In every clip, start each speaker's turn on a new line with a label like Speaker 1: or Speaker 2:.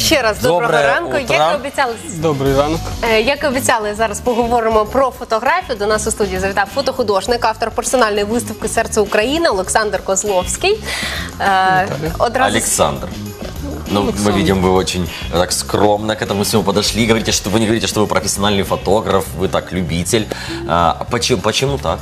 Speaker 1: ще раз доброго ранку.
Speaker 2: Добрий ранок.
Speaker 1: Як і обіцяли, зараз поговоримо про фотографію. До нас у студії завітав фотохудожник, автор персональної виставки «Серце України» Олександр Козловський.
Speaker 3: Александр. Ну, мы видим, вы очень так скромно к этому всему подошли. Говорите, что вы не говорите, что вы профессиональный фотограф, вы так любитель. Почему так?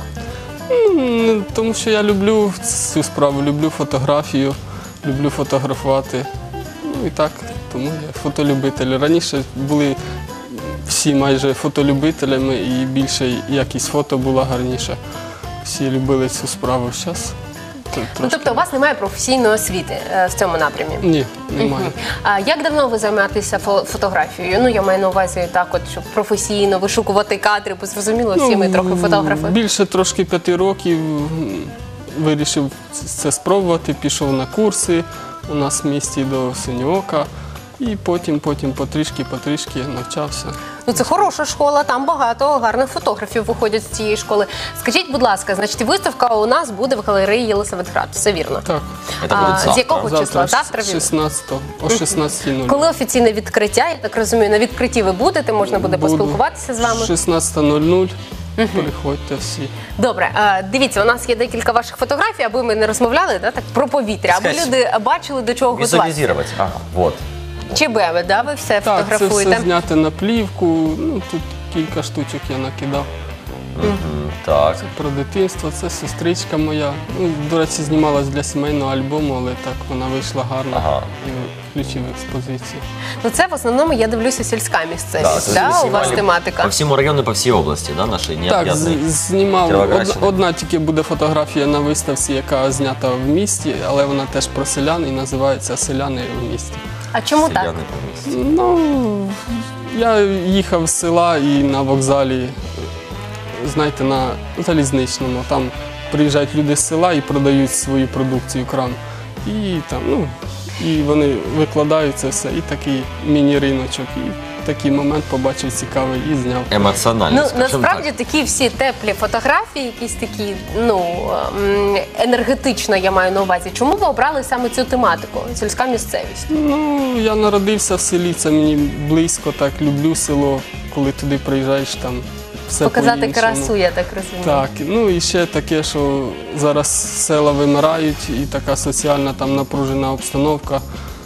Speaker 2: Тому що я люблю цю справу, люблю фотографію, люблю фотографувати. Ну і так, тому я фотолюбитель. Раніше були всі майже фотолюбителями і більше якість фото була гарніша. Всі любили цю справу. Зараз
Speaker 1: Ну, тобто у вас немає професійної освіти в цьому напрямі?
Speaker 2: Ні, немає.
Speaker 1: А як давно ви займаєтеся фотографією? Ну, я маю на увазі так от, щоб професійно вишукувати кадри, бо зрозуміло, всі ми трохи фотографи.
Speaker 2: Більше трошки 5 років вирішив це спробувати, пішов на курси у нас в місті до Синьоока. І потім потрішки навчався.
Speaker 1: Ну, це хороша школа, там багато гарних фотографів виходять з цієї школи. Скажіть, будь ласка, значить, виставка у нас буде в галереї Єлисаветград, все вірно?
Speaker 2: Так.
Speaker 1: З якого числа?
Speaker 2: Завтра 16-го, о 16:00.
Speaker 1: Коли офіційне відкриття, я так розумію, на відкритті ви будете, можна буде поспілкуватися з вами?
Speaker 2: 16:00. Приходьте всі.
Speaker 1: Добре, дивіться, у нас є декілька ваших фотографій, аби ми не розмовляли так, про повітря, аби люди бачили, до чого готуватися.
Speaker 3: Візуалізувати, ага, вот.
Speaker 1: Чи ви все
Speaker 2: Так,
Speaker 1: фотографуєте?
Speaker 2: це все зняти на плівку, ну тут кілька штучок я накидав.
Speaker 3: Так.
Speaker 2: Це про дитинство, це сестричка моя. Ну, до речі, знімалась для сімейного альбому, але так вона вийшла гарно і включив експозицію.
Speaker 1: Ну це в основному, я дивлюся, сільська місцевість, да? У вас тематика?
Speaker 3: По всьому району, по всій області, да, нашої?
Speaker 2: Так, знімав. Одна тільки буде фотографія на виставці, яка знята в місті, але вона теж про селян і називається «Селяни в місті».
Speaker 1: А чому так?
Speaker 2: Ну, я їхав з села і на вокзалі, знаєте, на залізничному. Там приїжджають люди з села і продають свою продукцію, крам. І там, ну, і вони викладають це все, і такий міні-риночок. І такий момент побачив цікавий і зняв.
Speaker 3: Емоціонально,
Speaker 1: ну, насправді такі всі теплі фотографії, якісь такі, ну, енергетично я маю на увазі. Чому ви обрали саме цю тематику, сільська місцевість?
Speaker 2: Ну, я народився в селі, це мені близько, так, люблю село, коли туди приїжджаєш, там все
Speaker 1: показати красу, я так розумію.
Speaker 2: Так, ну і ще таке, що зараз села вимирають, і така соціальна там напружена обстановка.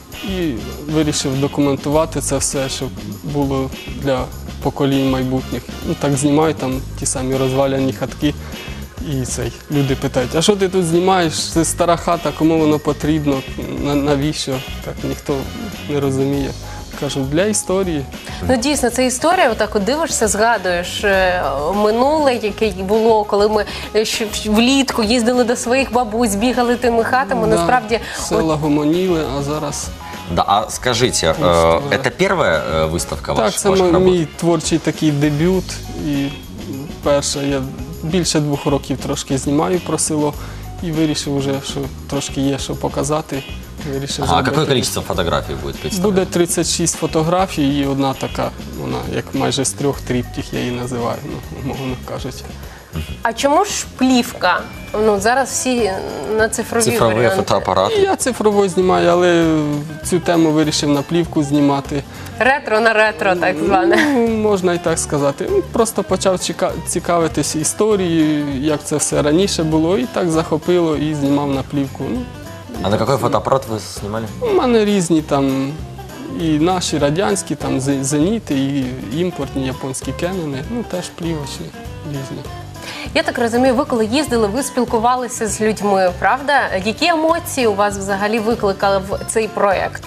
Speaker 2: І вирішив документувати це все, щоб було для поколінь майбутніх. Ну, так знімаю там ті самі розваляні хатки. І люди питають, а що ти тут знімаєш? Це стара хата, кому воно потрібно, навіщо? Так ніхто не розуміє. Кажу, для історії.
Speaker 1: Ну дійсно, це історія, отак от дивишся, згадуєш минуле, яке було, коли ми влітку їздили до своїх бабусь, бігали тими хатами, насправді...
Speaker 2: Села гомоніли, а зараз...
Speaker 3: Да, а скажите, это первая выставка ваша?
Speaker 2: Так, це мій творчий такий дебют. І перше, я більше 2 років трошки знімаю про село і вирішив вже, що трошки є що показати.
Speaker 3: А какое количество фотографий будет представлено?
Speaker 2: Буде 36 фотографій і одна така, вона як майже з 3 тріптих, я її називаю, ну, мовно кажуть.
Speaker 1: А чому ж плівка? Ну, зараз всі на цифрові варіанти.
Speaker 3: Фотоапарати.
Speaker 2: Я цифрово знімаю, але цю тему вирішив на плівку знімати.
Speaker 1: Ретро на ретро, так зване.
Speaker 2: Ну, можна і так сказати. Просто почав цікавитись історією, як це все раніше було, і так захопило, і знімав на плівку. Ну,
Speaker 3: а на какой фотоаппарат вы снимали?
Speaker 2: У мене різні там, і наші радянські, там зеніти, і імпортні японські кенони, ну теж плівочні, різні.
Speaker 1: Я так розумію, ви коли їздили, ви спілкувалися з людьми, правда? Які емоції у вас взагалі викликали цей проєкт?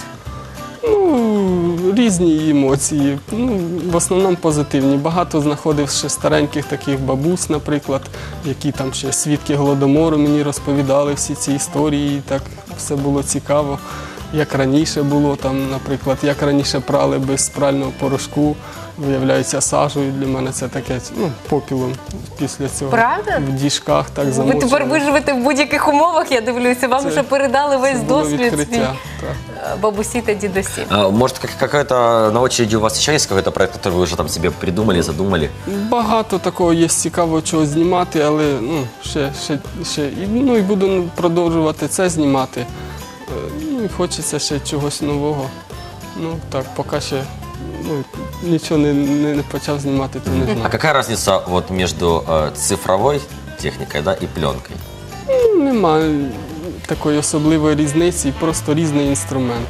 Speaker 2: Ну, різні емоції, ну, в основному позитивні. Багато знаходив ще стареньких таких бабусь, наприклад, які там ще свідки Голодомору мені розповідали всі ці історії, і так все було цікаво. Як раніше було, там, наприклад, як раніше прали без прального порошку, виявляється, сажею. Для мене це таке, ну, попілом після цього.
Speaker 1: Правда?
Speaker 2: В діжках так замочували.
Speaker 1: Ви тепер виживете в будь-яких умовах, я дивлюся. Вам вже передали весь досвід свій бабусі та дідусі.
Speaker 3: Может, какая-то на очереди у вас еще есть какой-то проект, который вы уже там себе придумали, задумали?
Speaker 2: Багато такого є цікавого чого знімати, але ну, ще і буду продовжувати це знімати. Ну, і хочеться ще чогось нового. Ну так, поки ще нічого не почав знімати, то не
Speaker 3: А
Speaker 2: знаю.
Speaker 3: какая разница вот между цифровой техникой, да, и пленкой?
Speaker 2: Немає такої особливої різниці, просто різний інструмент.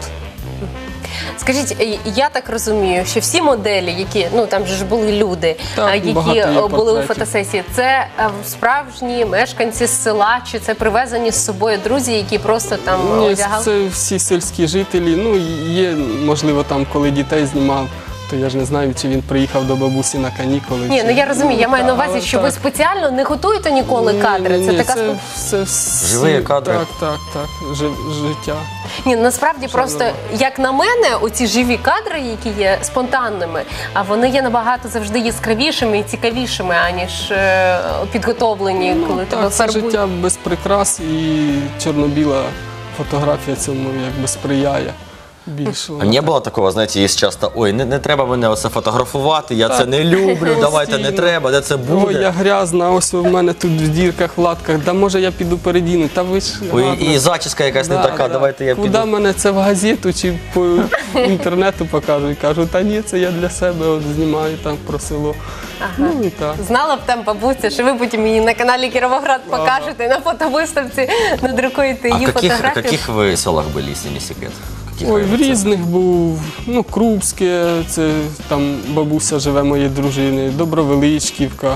Speaker 1: Скажіть, я так розумію, що всі моделі, які, ну там же ж були люди,
Speaker 2: Так, багато
Speaker 1: які
Speaker 2: є
Speaker 1: були у
Speaker 2: портретів.
Speaker 1: фотосесії, це справжні мешканці з села, чи це привезені з собою друзі, які просто там
Speaker 2: Ні,
Speaker 1: одягали?
Speaker 2: це всі сільські жителі. Ну, є, можливо, там, коли дітей знімав, то я ж не знаю, чи він приїхав до бабусі на канікули.
Speaker 1: Ні,
Speaker 2: чи...
Speaker 1: ну я розумію, я маю на увазі,
Speaker 2: але
Speaker 1: що ви
Speaker 2: так.
Speaker 1: спеціально не готуєте ніколи кадри.
Speaker 2: Ні,
Speaker 1: Це
Speaker 2: ні,
Speaker 1: така
Speaker 2: це все
Speaker 3: Живі кадри.
Speaker 2: Так, життя.
Speaker 1: Ні, насправді просто, як на мене, оці живі кадри, які є спонтанними, а вони є набагато завжди яскравішими і цікавішими, аніж підготовлені, коли тебе
Speaker 2: Так, це
Speaker 1: фарбують.
Speaker 2: життя без прикрас і чорно-біла фотографія цьому якби сприяє більше.
Speaker 3: А не було такого, знаєте, є часто, ой, не треба мене оце фотографувати, я це
Speaker 2: Так,
Speaker 3: не люблю, давайте не
Speaker 2: постійно.
Speaker 3: треба, де це
Speaker 2: Ой,
Speaker 3: буде.
Speaker 2: я грязна, ось у мене тут в дірках, в латках, да може я піду передіну, та ви ж
Speaker 3: Ой,
Speaker 2: гарна.
Speaker 3: і зачіска якась не
Speaker 2: Да,
Speaker 3: така,
Speaker 2: да.
Speaker 3: давайте я
Speaker 2: Куди
Speaker 3: піду.
Speaker 2: мене це в газету чи по інтернету покажуть? Кажу, та ні, це я для себе от знімаю там про село. Ну і так.
Speaker 1: Знала б там бабуся, що ви потім мені на каналі Кіровоград покажете, на фотовиставці надрукуєте
Speaker 3: А
Speaker 1: її
Speaker 3: в
Speaker 1: фотографію.
Speaker 3: каких ви селах були, якщо не секрет? Каких
Speaker 2: Ой, в
Speaker 3: районах?
Speaker 2: різних був, ну, Крупське, це там бабуся живе моєї дружини, Добровеличківка,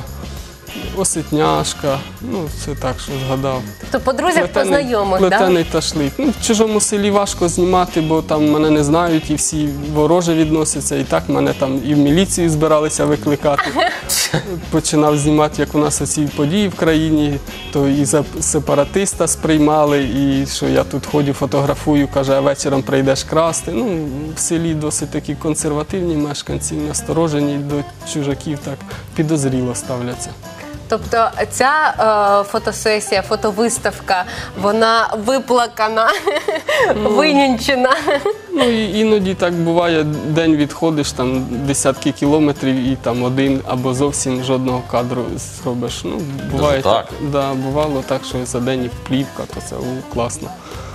Speaker 2: Осетняшка, ну, це так, що згадав.
Speaker 1: Тобто по друзях, по знайомих, так?
Speaker 2: Плетений ташлик. Ну, в чужому селі важко знімати, бо там мене не знають і всі вороже відносяться. І так мене там і в міліцію збиралися викликати. Починав знімати, як у нас оці події в країні, то і за сепаратиста сприймали, і що я тут ходю, фотографую, каже, а вечором прийдеш красти. Ну, в селі досить такі консервативні мешканці, насторожені до чужаків, так підозріло ставляться.
Speaker 1: Тобто ця фотосесія, фотовиставка, вона виплакана, винянчена.
Speaker 2: Ну і іноді так буває, день відходиш, там десятки кілометрів і там один або зовсім жодного кадру зробиш. Ну, буває
Speaker 3: Даже так?
Speaker 2: Да, бувало так, що за день і плівка, то це класно.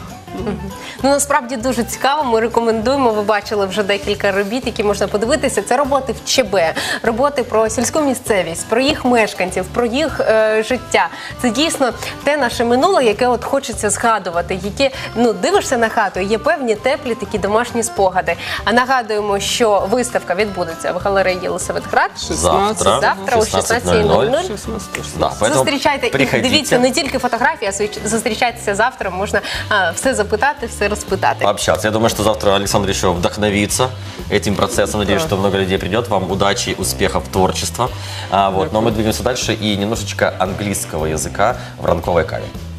Speaker 1: Ну, насправді дуже цікаво, ми рекомендуємо, ви бачили вже декілька робіт, які можна подивитися. Це роботи в ЧБ, роботи про сільську місцевість, про їх мешканців, про їх життя. Це дійсно те наше минуле, яке от хочеться згадувати, яке, ну, дивишся на хату, є певні теплі такі домашні спогади. А нагадуємо, що виставка відбудеться в галереї Єлисаветград.
Speaker 3: Завтра
Speaker 1: о 16:00.
Speaker 2: 16.
Speaker 3: Да, поэтому
Speaker 1: Зустрічайте і
Speaker 3: приходите.
Speaker 1: дивіться не тільки фотографії, а зустрічайтеся завтра, можна все запитати, все розпитати.
Speaker 3: Пообщаться. Я думаю, что завтра Александр еще вдохновится этим процессом. Надеюсь, что много людей придет. Вам удачи, успехов, творчества. Вот. Но мы двигаемся дальше и немножечко английского языка в ранковой каве.